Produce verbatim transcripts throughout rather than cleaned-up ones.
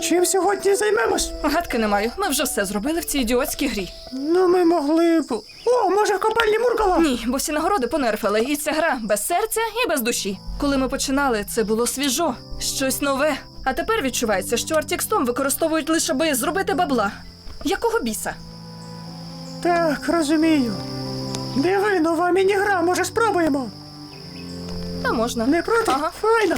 чим сьогодні займемось? Гадки не маю. Ми вже все зробили в цій ідіотській грі. Ну, ми могли б... О, може, в копальні Муркала? Ні, бо всі нагороди понерфили, і ця гра без серця і без душі. Коли ми починали, це було свіжо, щось нове. А тепер відчувається, що Артікстом використовують лише аби зробити бабла. Якого біса? Так, розумію. Диви, нова міні-гра, може спробуємо? Та можна. Не проти? Ага. Файно.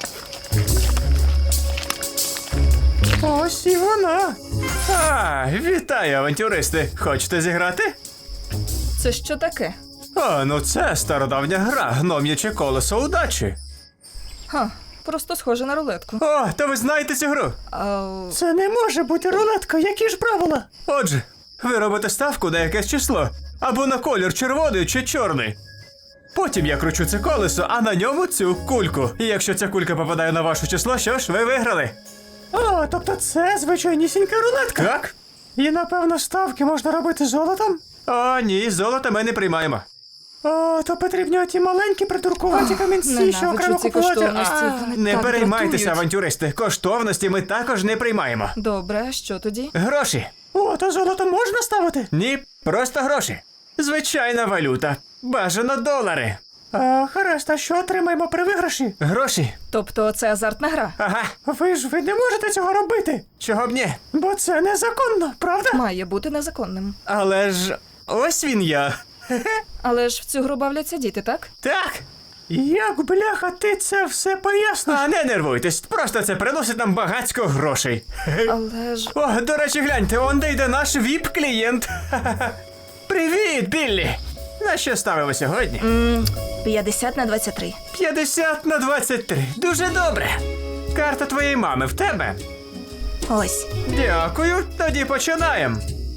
Ось і вона. А, вітаю, авантюристи! Хочете зіграти? Це що таке? О, ну це стародавня гра, гном'яче колесо удачі. Ха, просто схоже на рулетку. О, то ви знаєте цю гру? А, Це не може бути рулетка, які ж правила? Отже, ви робите ставку на якесь число, або на колір червоний чи чорний. Потім я кручу це колесо, а на ньому цю кульку. І якщо ця кулька попадає на ваше число, що ж, ви виграли. О, тобто це звичайнісінька рулетка. Так? І, напевно, ставки можна робити золотом? О, ні, золото ми не приймаємо. О, то потрібні оті маленькі придуркуваті камінці, що ненавиджу окремо ці купувати. коштовності. А, Вони Не так переймайтеся, дратують. авантюристи. Коштовності ми також не приймаємо. Добре, а що тоді? Гроші. О, то золото можна ставити? Ні, просто гроші. Звичайна валюта. Бажано долари. А, гаразд, а що отримаємо при виграші? Гроші. Тобто це азартна гра? Ага. Ви ж ви не можете цього робити, Чого б ні? бо це незаконно, правда? Має бути незаконним. Але ж ось він я. Але ж в цю гру бавляться діти, так? Так. Як, бляха, ти це все поясниш? А не нервуйтесь, просто це приносить нам багацько грошей. Але ж... О, до речі, гляньте, он де йде наш віп-клієнт. Привіт, Біллі! На що ставимо сьогодні? п'ятдесят на двадцять три. п'ятдесят на двадцять три. Дуже добре. Карта твоєї мами в тебе. Ось. Дякую, тоді починаємо.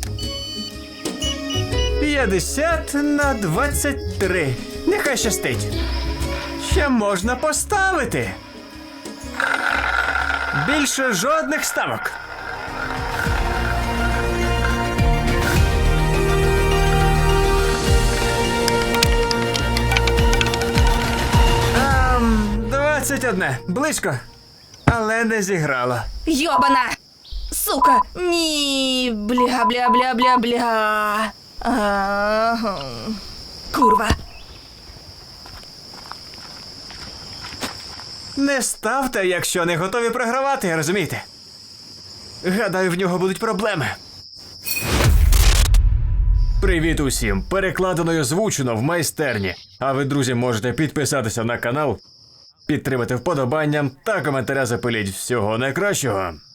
п'ятдесят на двадцять три. Нехай щастить. Ще можна поставити. Більше жодних ставок. Ем, двадцять одне. Близько. Але не зіграло. Йобана! Сука! Ні! Бля, бля, бля, бля, бля. Ага. Курва. Не ставте, якщо не готові програвати, розумієте? Гадаю, в нього будуть проблеми. Привіт усім! Перекладено і озвучено в майстерні. А ви, друзі, можете підписатися на канал, підтримати вподобанням та коментаря запиліть. Всього найкращого!